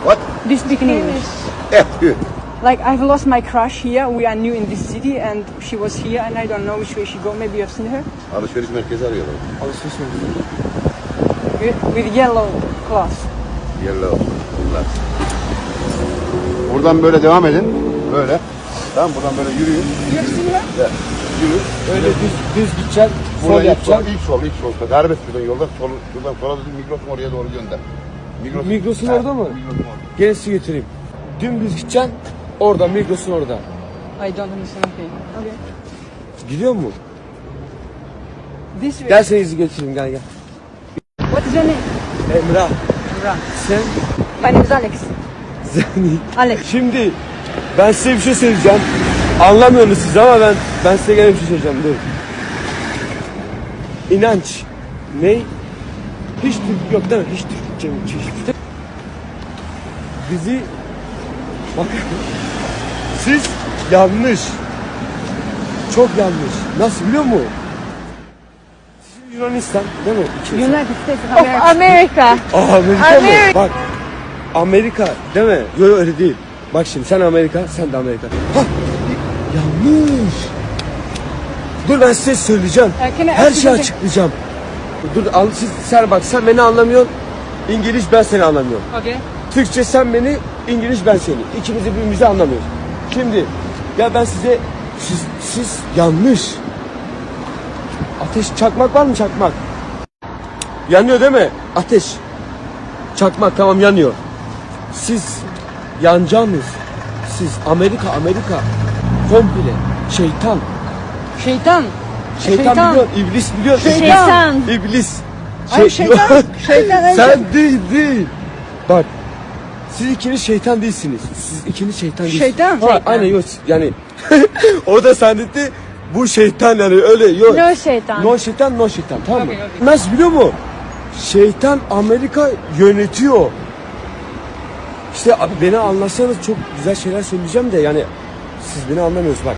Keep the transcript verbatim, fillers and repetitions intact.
What? Do you speak in English? Yeah, good. Like I've lost my crush here. We are new in this city, and she was here, and I don't know which way she go. Maybe you've seen her Alışveriş merkezi arıyorlar. Alışveriş merkezi. with, with yellow cloth. Yellow. Glass. Buradan böyle devam edin. Böyle. Tamam, buradan böyle yürüyün. You have seen her? Evet. Yürü. Öyle düz, düz gideceksin. Sol Buradan ilk sol, yapacaksın. ilk sol, ilk sol. Serbest şuradan yoldan, sol, şuradan sola dedim, Migros'un oraya doğru gönder. Migros, Migros'un Ha, orada mı? Migros'un orada. Gel sizi götüreyim. Dümdüz gideceksin. Orada, Migros'un orada. I don't understand. Okay. Okay. Gidiyor mu? This way. Gel seni izi götüreyim, gel gel. What is your name? Emrah, Emrah. sen... My name is Alex. Zeni. Alex. Şimdi ben size bir şey söyleyeceğim. Anlamıyorsunuz siz ama ben ben size gene bir şey söyleyeceğim. Dur. İnanç. Ne? Hiç Türk yok değil mi? Hiç Türkçe mi? Hiç, hiç. Bizi bak siz yanlış. Çok yanlış. Nasıl biliyor musun? Siz Yunanistan değil mi? İkiniz. United States of Of America. America. Aa, Amerika mı? Amerika. Bak. Amerika değil mi? Yok yok öyle değil. Bak şimdi sen Amerika, sen de Amerika. Hah! Yanlış. Dur ben size söyleyeceğim. Uh, can I Her ask you şeyi something? açıklayacağım. Dur al, siz, sen bak sen beni anlamıyorsun. İngiliz ben seni anlamıyorum. Okay. Türkçe sen beni, İngiliz ben seni. İkimiz de birbirimizi anlamıyoruz. Şimdi ya ben size siz, siz yanlış. Ateş çakmak var mı çakmak? Yanıyor değil mi? Ateş. Çakmak tamam yanıyor. Siz yanacağınız. Siz Amerika Amerika komple şeytan. Şeytan. Şeytan, Şeytan. biliyor, iblis biliyor. Şeytan. İblis. Ay, şeytan. Şeytan, ay, Sen değil değil. Bak. Siz ikiniz şeytan değilsiniz. Siz ikiniz şeytan değilsiniz. Şeytan. Ha, Şeytan. aynen yok yani. O da zannetti bu şeytan yani öyle yok. No şeytan. No şeytan no şeytan tamam mı? Okey, okey. Nasıl biliyor musun? Şeytan Amerika yönetiyor. İşte abi beni anlasanız çok güzel şeyler söyleyeceğim de yani siz beni anlamıyorsunuz bak.